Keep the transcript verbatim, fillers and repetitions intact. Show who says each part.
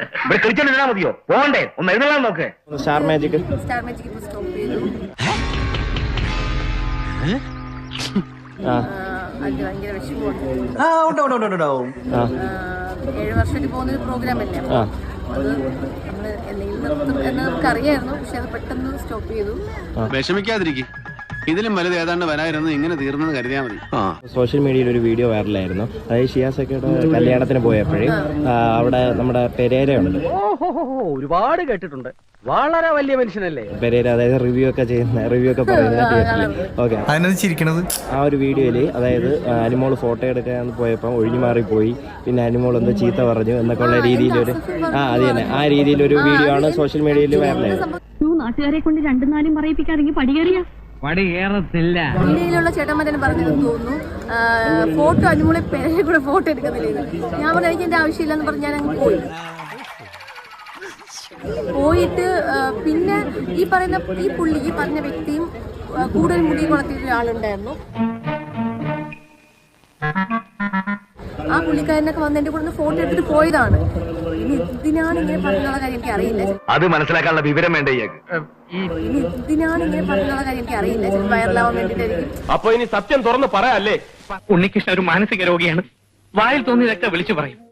Speaker 1: ഇവിടെ കളിച്ചോണ്ടിരുന്നാ മതിയോ? പോകണ്ടേ? ഒന്ന് എഴുന്നള്ളാൻ നോക്ക്.
Speaker 2: സ്റ്റാർ മാജിക്
Speaker 3: സ്റ്റാർ മാജിക് ഇപ്പൊ സ്റ്റോപ്പ് ചെയ്തു.
Speaker 2: ആ
Speaker 3: അത് ഭയങ്കര വിഷമമുണ്ട്.
Speaker 4: ആ ഉണ്ട് ഉണ്ട് ഉണ്ട് ഉണ്ടാവും.
Speaker 2: ആ
Speaker 3: ഏഴ് വർഷമായിട്ട് പോകുന്ന ഒരു പ്രോഗ്രാം അല്ലേ,
Speaker 2: ആ
Speaker 3: അത് നമ്മൾ എന്തെങ്കിലും നിർത്തും എന്ന് നമുക്കറിയായിരുന്നു. പക്ഷെ അത് പെട്ടെന്ന് സ്റ്റോപ്പ് ചെയ്തു.
Speaker 5: വിഷമിക്കാതിരിക്കും, ഇതിലും വലുത് ഏതാണ്ട് വരായിരുന്നു. ഇങ്ങനെ തീർന്നെന്ന് കരുതിയാൽ മതി.
Speaker 2: സോഷ്യൽ മീഡിയയിൽ ഒരു വീഡിയോ വൈറലായിരുന്നു. അതായത് ഷിയാസക്കയുടെ കല്യാണത്തിന് പോയപ്പോഴേ അവിടെ നമ്മുടെ പെരേര ഉണ്ട്.
Speaker 1: ഒരുപാട് കേട്ടിട്ടുണ്ട്. വളരെ വലിയ മനുഷ്യനല്ലേ
Speaker 2: പെരേര, അതായത് റിവ്യൂ ഒക്കെ ചെയ്യുന്ന റിവ്യൂ ഒക്കെ പറയുന്ന തിയേറ്ററിൽ. ഓക്കെ,
Speaker 4: അതിനകത്ത് ചിരിക്കണത്
Speaker 2: ആ ഒരു വീഡിയോയില് അതായത് അനിമോൾ ഫോട്ടോ എടുക്കാൻ പോയപ്പോൾ ഒഴിഞ്ഞു മാറിപ്പോയി, പിന്നെ അനിമോൾ എന്തോ ചീത്ത പറഞ്ഞു എന്നൊക്കെ ഉള്ള രീതിയിലൊരു ആ അത് തന്നെ ആ രീതിയിലൊരു വീഡിയോ ആണ് സോഷ്യൽ മീഡിയയിൽ വൈറലായത്.
Speaker 6: നാട്ടുകാരെ കൊണ്ട് രണ്ടു നാലും പറയിപ്പിക്കാറെങ്കിൽ പടികേറിയ
Speaker 1: പടി കയറത്തില്ല.
Speaker 3: ഇന്ത്യയിലുള്ള ചേട്ടന്മാർ തന്നെ പറഞ്ഞതെന്ന് തോന്നുന്നു, ഫോട്ടോ അനുമോളെ പേരെ കൂടെ ഫോട്ടോ എടുക്കുന്നില്ല. ഞാൻ പറഞ്ഞു എനിക്ക് എന്റെ ആവശ്യമില്ലെന്ന് പറഞ്ഞ് ഞാൻ അങ്ങ് പോയി. പോയിട്ട് പിന്നെ ഈ പറയുന്ന ഈ പുള്ളി ഈ പറഞ്ഞ വ്യക്തിയും കൂടുതൽ മുടി കുളത്തിയിട്ട് ഒരാളുണ്ടായിരുന്നു. ആ പുള്ളിക്കാരനൊക്കെ വന്ന് എന്റെ കൂടെ ഫോട്ടോ എടുത്തിട്ട് പോയതാണ്. ഇനി ഇതിനാണ് ഇങ്ങനെ പറഞ്ഞുള്ള കാര്യം എനിക്ക് അറിയില്ല.
Speaker 1: അത് മനസ്സിലാക്കാനുള്ള വിവരം വേണ്ടേ?
Speaker 3: ഇനി ഇതിനാണ് ഇങ്ങനെ പറഞ്ഞുള്ള കാര്യം എനിക്ക് അറിയില്ല. ചിലപ്പോൾ വൈറലാവാൻ വേണ്ടിയിട്ടായിരിക്കും.
Speaker 1: അപ്പൊ ഇനി സത്യം തുറന്ന് പറയാല്ലേ?
Speaker 7: ഉണ്ണികൃഷ്ണൻ ഒരു മാനസിക രോഗിയാണ്. വായിൽ തോന്നിയതൊക്കെ വിളിച്ചു പറയും.